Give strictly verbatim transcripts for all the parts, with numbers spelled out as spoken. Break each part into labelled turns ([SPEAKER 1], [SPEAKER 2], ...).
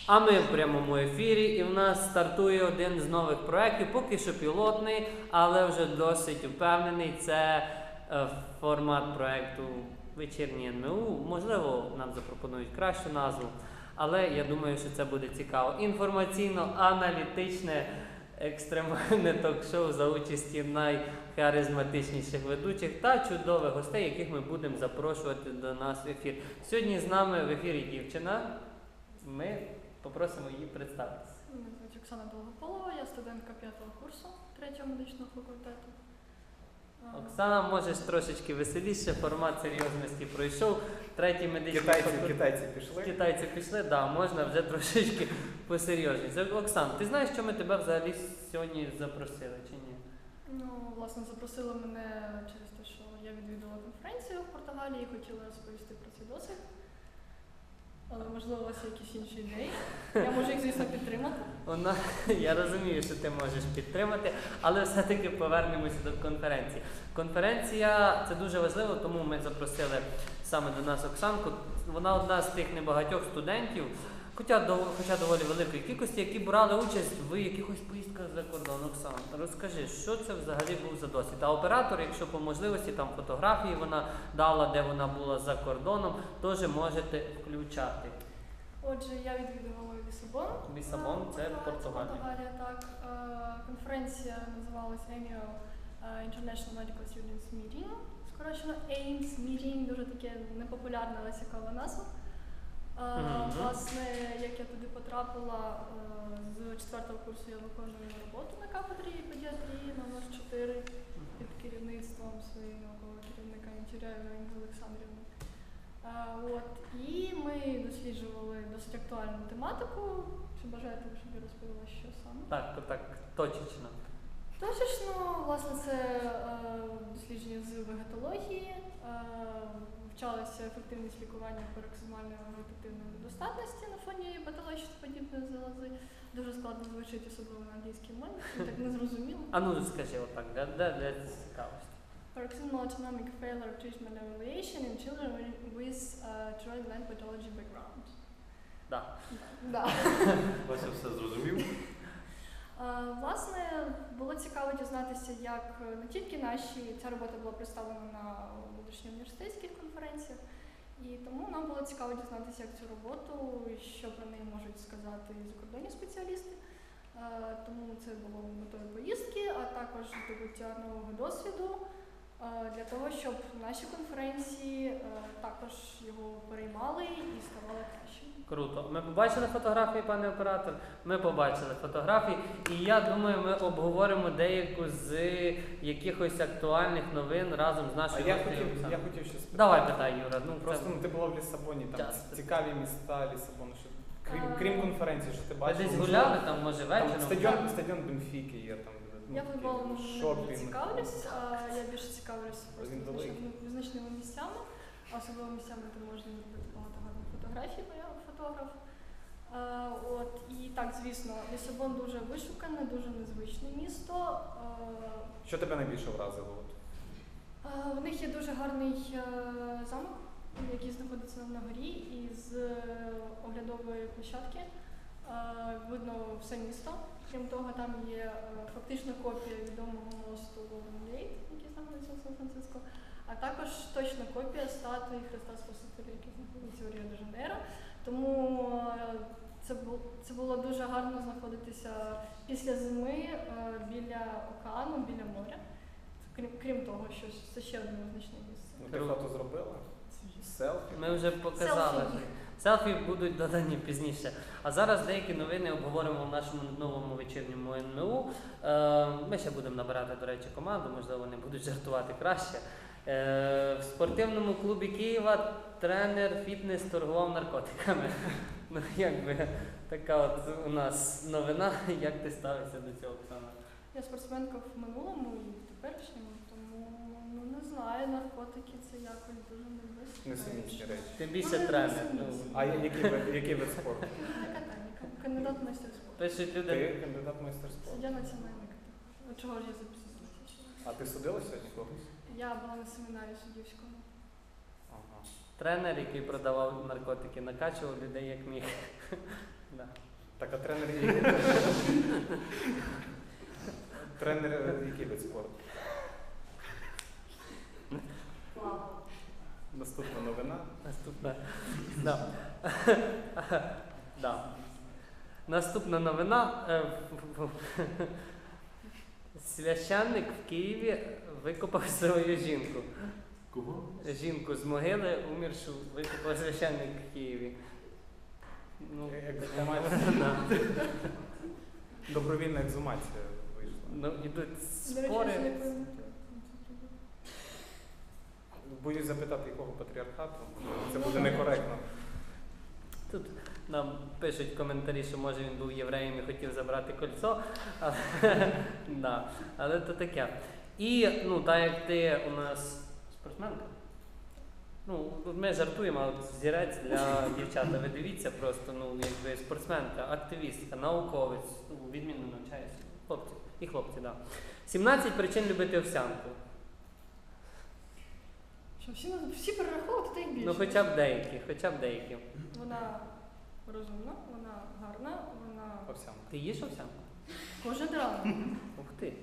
[SPEAKER 1] А ми в прямому ефірі, і в нас стартує один з нових проєктів, поки що пілотний, але вже досить впевнений. Це е, формат проєкту «Вечірнє ен ем у». Можливо, нам запропонують кращу назву, але я думаю, що це буде цікаво. Інформаційно-аналітичне екстремальне ток-шоу за участі найхаризматичніших ведучих та чудових гостей, яких ми будемо запрошувати до нас в ефір. Сьогодні з нами в ефірі дівчина. Ми попросимо її представитися.
[SPEAKER 2] Мене звуть Оксана Долгополова, я студентка п'ятого курсу третього медичного факультету.
[SPEAKER 1] Оксана, можеш трошечки веселіше, формат серйозності пройшов. Третій медичний
[SPEAKER 3] Китайці,
[SPEAKER 1] факультет.
[SPEAKER 3] китайці пішли.
[SPEAKER 1] Китайці пішли, да, можна вже трошечки посерйозніше. Оксан, ти знаєш, що ми тебе взагалі сьогодні запросили, чи ні?
[SPEAKER 2] Ну, власне, запросили мене через те, що я відвідала конференцію в Португалії і хотіла розповісти про цей досвід. Але, можливо, у вас є якісь інші ідеї. Я можу їх, звісно, підтримати.
[SPEAKER 1] Вона, я розумію, що ти можеш підтримати, але все-таки повернемося до конференції. Конференція – це дуже важливо, тому ми запросили саме до нас Оксанку. Вона одна з тих небагатьох студентів, хоча, хоча доволі великої кількості, які брали участь в якихось поїздках за кордон. Оксана, розкажи, що це взагалі був за досвід? А оператор, якщо по можливості, там фотографії вона дала, де вона була за кордоном, теж можете включати.
[SPEAKER 2] Отже, я відвідувала Лісабон.
[SPEAKER 1] Лісабон – це Португалія.
[SPEAKER 2] Португалія, так. Конференція називалась Annual International Medical Students Meeting, скорочено еймс Meeting, дуже таке непопулярна, але цікава назва.
[SPEAKER 1] Mm-hmm.
[SPEAKER 2] Власне, як я туди потрапила, з четвертого курсу я виконую роботу на кафедрі педіатрії номер чотири під керівництвом своєї наукового керівника Інтіряєвої Інги Олександрівни. От, і ми досліджували досить актуальну тематику. Чи бажаєте, щоб я розповіла, що саме?
[SPEAKER 1] Так, то так, точечно.
[SPEAKER 2] Точечно, власне, це е, дослідження з вегетології, е, вчалася ефективність лікування пароксизмальної вегетативної недостатності на фоні патологічно-подібної залози. Дуже складно звучить, особливо на англійській мові, так не зрозуміло.
[SPEAKER 1] А ну скажи отак, де, де, де цікавості?
[SPEAKER 2] Paroxysmal autonomic failure of treatment evaluation in children with uh, joint gland pathology background.
[SPEAKER 1] Да.
[SPEAKER 2] Да.
[SPEAKER 3] Ось я все зрозумів.
[SPEAKER 2] Uh, власне, було цікаво дізнатися, як не тільки наші, ця робота була представлена на внутрішньоуніверситетських конференціях, і тому нам було цікаво дізнатися, як цю роботу, що про неї можуть сказати закордонні спеціалісти. Uh, тому це було метою поїздки, а також здобуття нового досвіду, uh, для того, щоб наші конференції uh, також його переймали і ставали кращими.
[SPEAKER 1] Круто. Ми побачили фотографії, пане оператор? Ми побачили фотографії. І я думаю, ми обговоримо деяку з якихось актуальних новин разом з
[SPEAKER 3] А
[SPEAKER 1] нашою
[SPEAKER 3] я
[SPEAKER 1] гостею
[SPEAKER 3] хотів,
[SPEAKER 1] Оксаною.
[SPEAKER 3] я хотів ще спитати.
[SPEAKER 1] Давай питай, Юра. Ну,
[SPEAKER 3] Просто
[SPEAKER 1] це...
[SPEAKER 3] ну, ти була в Лісабоні, там
[SPEAKER 1] Час.
[SPEAKER 3] цікаві міста Лісабону. Що, крім,
[SPEAKER 2] А,
[SPEAKER 3] крім конференції, що ти
[SPEAKER 1] Ви
[SPEAKER 3] бачив?
[SPEAKER 1] десь гуляли там, може,
[SPEAKER 3] Там
[SPEAKER 1] вечором?
[SPEAKER 3] стадіон, стадіон Бенфіки є там. ну,
[SPEAKER 2] Я
[SPEAKER 3] такі
[SPEAKER 2] футболом не
[SPEAKER 3] шопінг.
[SPEAKER 2] дуже цікавлюсь, а я більше цікавлюсь просто
[SPEAKER 3] Він великий.
[SPEAKER 2] визнач- визначними місцями, а особливо місцями, де можна зробити багато гарних фотографій, бо я фотограф. А, от, і так, звісно, Лісабон дуже вишукане, дуже незвичне місто. А,
[SPEAKER 3] Що тебе найбільше вразило? От?
[SPEAKER 2] а, в них є дуже гарний а, замок, який знаходиться на горі, і з оглядової площадки а, видно все місто. Крім того, там є а, фактично копія відомого мосту Golden Gate, який знаходиться в Сан-Франциско, а також точна копія статуї Христа Спасителя, який знаходиться у Ріо-де-Жанейро. Тому а, це, бу, це було дуже гарно знаходитися після зими а, біля океану, біля моря. Крім, крім того, що це ще одне визначне місце.
[SPEAKER 3] Ну, ти фото зробила? Селфі?
[SPEAKER 1] Ми вже показали.
[SPEAKER 2] Селфі.
[SPEAKER 1] Селфі будуть додані пізніше. А зараз деякі новини обговоримо в нашому новому вечірньому ен ем у. Е, ми ще будемо набирати, до речі, команду, можливо, вони будуть жартувати краще. Е, в спортивному клубі Києва тренер фітнес торгував наркотиками. Ну, якби така от у нас новина. Як ти ставишся до цього, Оксана?
[SPEAKER 2] Я спортсменка в минулому і в теперішньому, тому ну, не знаю, наркотики це якось дуже не
[SPEAKER 3] Несумісні речі.
[SPEAKER 1] Ти більше
[SPEAKER 2] Ну,
[SPEAKER 1] тренер. Ну,
[SPEAKER 3] А я- який вид, який вид спорту?
[SPEAKER 2] Катання, кандидат в майстер спорту.
[SPEAKER 1] пишуть люди.
[SPEAKER 3] Ти кандидат в майстер спорту.
[SPEAKER 2] Суддя національної категорії. Чого ж я записалася?
[SPEAKER 3] А ти судила сьогодні когось?
[SPEAKER 2] Я була на семінарі суддівському.
[SPEAKER 3] Ага.
[SPEAKER 1] Тренер, який продавав наркотики, накачував людей як міг. Да.
[SPEAKER 3] Так, а тренер який? Тренер е, який вид спорту? Наступна новина.
[SPEAKER 1] Наступна. Да. Да. Наступна новина. Е, в- в- Священник в Києві викопав свою жінку.
[SPEAKER 4] Кого?
[SPEAKER 1] Жінку з могили, уміршу, викопав священник в Києві. Ну,
[SPEAKER 3] Ексгумація.
[SPEAKER 1] да.
[SPEAKER 3] Добровільна ексгумація вийшла.
[SPEAKER 1] Ну, ідуть
[SPEAKER 2] До речі, я
[SPEAKER 1] спори.
[SPEAKER 2] ще не пам'ятаю.
[SPEAKER 3] Боюсь запитати, якого патріархату. Це буде некоректно.
[SPEAKER 1] Тут нам пишуть коментарі, що може він був євреєм і хотів забрати кольцо. Але, да. Але то таке. І, ну, так як ти у нас спортсменка. Ну, ми жартуємо, а от зірець для дівчата. Ви дивіться просто, ну, якби спортсменка, активістка, науковець, ну, відмінно навчається. Хлопці. І хлопці, так. Да. сімнадцять причин любити овсянку.
[SPEAKER 2] Що всі, всі перераховувати, та й більше.
[SPEAKER 1] Ну, хоча б деякі, хоча б деякі.
[SPEAKER 2] Вона розумна, вона гарна, вона
[SPEAKER 3] Овсянка.
[SPEAKER 1] Ти їш овсянку?
[SPEAKER 2] кожен ранок.
[SPEAKER 1] Ух ти.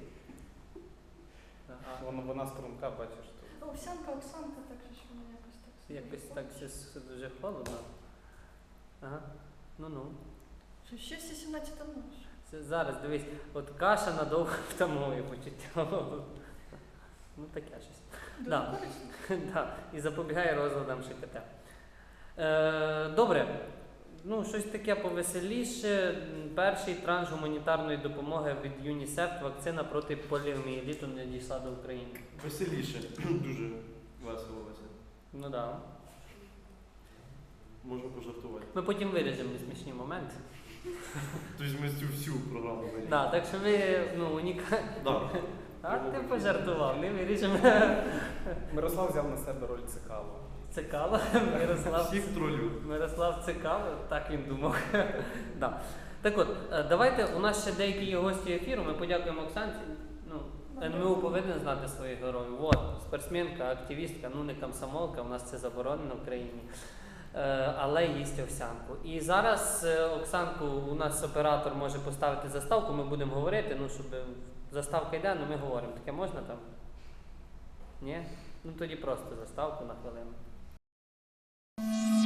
[SPEAKER 1] А,
[SPEAKER 3] Вона, вона струнка, бачиш тут.
[SPEAKER 2] Овсянка, Оксанка, так що ж вона якось так. собі
[SPEAKER 1] якось так
[SPEAKER 2] виходить.
[SPEAKER 1] щось дуже холодно. Ага. Ну-ну.
[SPEAKER 2] Що ще всі сімнадцять нож.
[SPEAKER 1] Це зараз дивись, от каша надовго втамує почуття голоду. Ну таке щось.
[SPEAKER 2] Дуже
[SPEAKER 1] Да.
[SPEAKER 2] корисно.
[SPEAKER 1] Да. І запобігає розладам ШКТ. Е, добре. Ну, щось таке повеселіше. М, Перший транш гуманітарної допомоги від ЮНІСЕФ, вакцина проти поліомієліту не дійшла до України.
[SPEAKER 4] Веселіше. Дуже весело весело.
[SPEAKER 1] Ну так. Да.
[SPEAKER 4] Можна пожартувати.
[SPEAKER 1] Ми потім виріжемо несмішні моменти.
[SPEAKER 4] Тобто ми цю всю програму вирішили.
[SPEAKER 1] Да, так що ви ну, унікальні.
[SPEAKER 4] Да.
[SPEAKER 1] А ти пожартував, не виріжемо.
[SPEAKER 3] Мирослав взяв на себе роль цикалу.
[SPEAKER 1] Цикало, Мирослав.
[SPEAKER 4] Всіх тролю.
[SPEAKER 1] Мирослав Цикало, так він думав. Да. Так от, е, давайте, у нас ще деякі є гості ефіру, ми подякуємо Оксанці. Ну, ен ем у повинен знати своїх героїв. От, спортсменка, активістка, ну не комсомолка, у нас це заборонено в країні. Е, але їсть овсянку. І зараз е, Оксанку у нас оператор може поставити заставку, ми будемо говорити, ну щоб заставка йде, ну ми говоримо. Таке можна там? Ні? Ну тоді просто заставку на хвилину.